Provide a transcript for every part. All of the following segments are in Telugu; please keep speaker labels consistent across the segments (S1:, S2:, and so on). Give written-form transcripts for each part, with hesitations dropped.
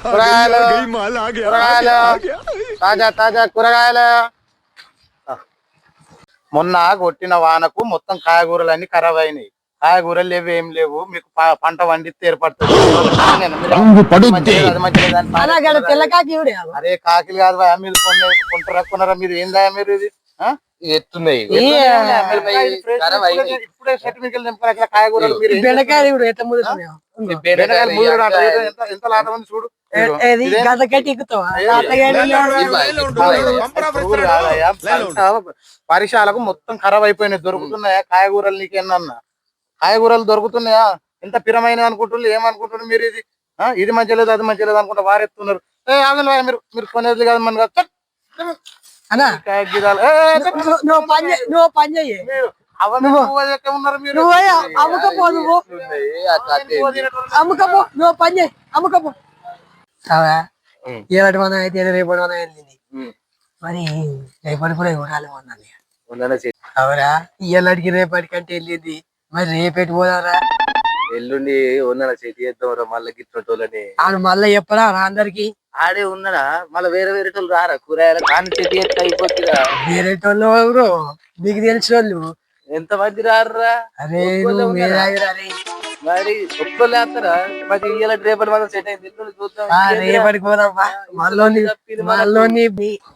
S1: కూరగాయలు కూరగాయలు తాజా తాజా కూరగాయలు. మొన్న కొట్టిన వానకు మొత్తం కాయగూరలన్నీ ఖరాబ్ అయినాయి. కాయగూరలు లేవు, ఏం లేవు. మీకు పంట వండితే ఏర్పడుతుంది. అరే కాకిలు కాదు భయ, మీరు కొనరా మీరు? ఏందా మీరు ఇది
S2: ఎత్తున్నాయి
S1: ఇప్పుడే సర్టిఫికెట్ తెంపుకుని కాయగూరలు మీరు ఎంత లాభం ఉంది చూడు. పరిశాలకు మొత్తం ఖరాబ్ అయిపోయినాయి. దొరుకుతున్నాయా కాయగూరలు? నీకేమన్నా కాయగూరలు దొరుకుతున్నాయా? ఎంత పిరమైన అనుకుంటున్నారు, ఏమనుకుంటున్నారు మీరు? ఇది మంచి లేదు, అది మంచి లేదు అనుకుంటా వారెత్తున్నారు. మీరు మీరు కొనేది కాదు మన ఉన్నారు మీరు.
S3: ఇలాంటి మనం అయితే రేపటి మనం వెళ్ళింది మరి. రేపటి కూడా ఇవ్వాలి అవురా? ఇలాంటికి రేపటి కంటే వెళ్ళింది మరి. రేపెట్టి పోదారా?
S2: ఎల్లుండి ఉన్నాడా చేతి చేద్దాం మళ్ళీ గిట్లని
S3: ఆడు మళ్ళీ చెప్పరా అందరికి?
S2: ఆడే ఉన్నాడా? మళ్ళీ వేరే వేరే వాళ్ళు రారా? కూరగాయలు కానీ చెట్టు ఎత్త అయిపోతుందా?
S3: వేరే వాళ్ళు ఎవరు మీకు తెలిసిన వాళ్ళు
S2: ఎంత మంది రారా?
S3: అరే
S2: మరి ఒక్కళ్ళు వేస్తారా? మరి ఇవాళ రేపటి మనం సెట్ అయింది. చూద్దాం
S3: రేపటికి పోదామా? మళ్ళీ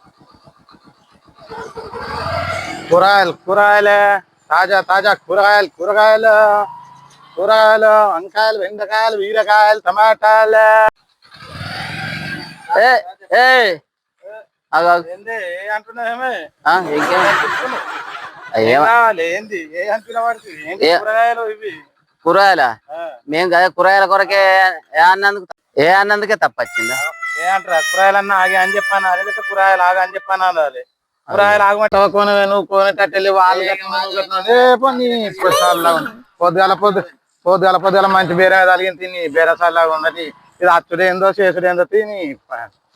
S1: కూరగాయలు కూరగాయలే తాజా తాజా కూరగాయలు కూరగాయలు కూరగాయలు వంకాయలు, బెండకాయలు, బీరకాయలు, టమాటాలు. అంటున్నావేమే ఏంది? ఏ అంటున్నా వాడికి కూరగాయలు ఇవి?
S2: కూరగాయల మేము కదా కూరగాయల కొరకే ఏ అన్నందుకే తప్పొచ్చిందా?
S1: ఏ అంటారా? కూరగాయలన్నా ఆగి అని చెప్పాను. అదే కూరగాయలు ఆగా అని చెప్పాను. అదే కూరగాయలు ఆగమంటే నువ్వు కొనేటట్టు వాళ్ళు పొద్దుగాల మంచి బేరే తగిన తిని బేరసాలాగా ఉన్నది. ఇది అచ్చుడేందో చేసుడేందో తిని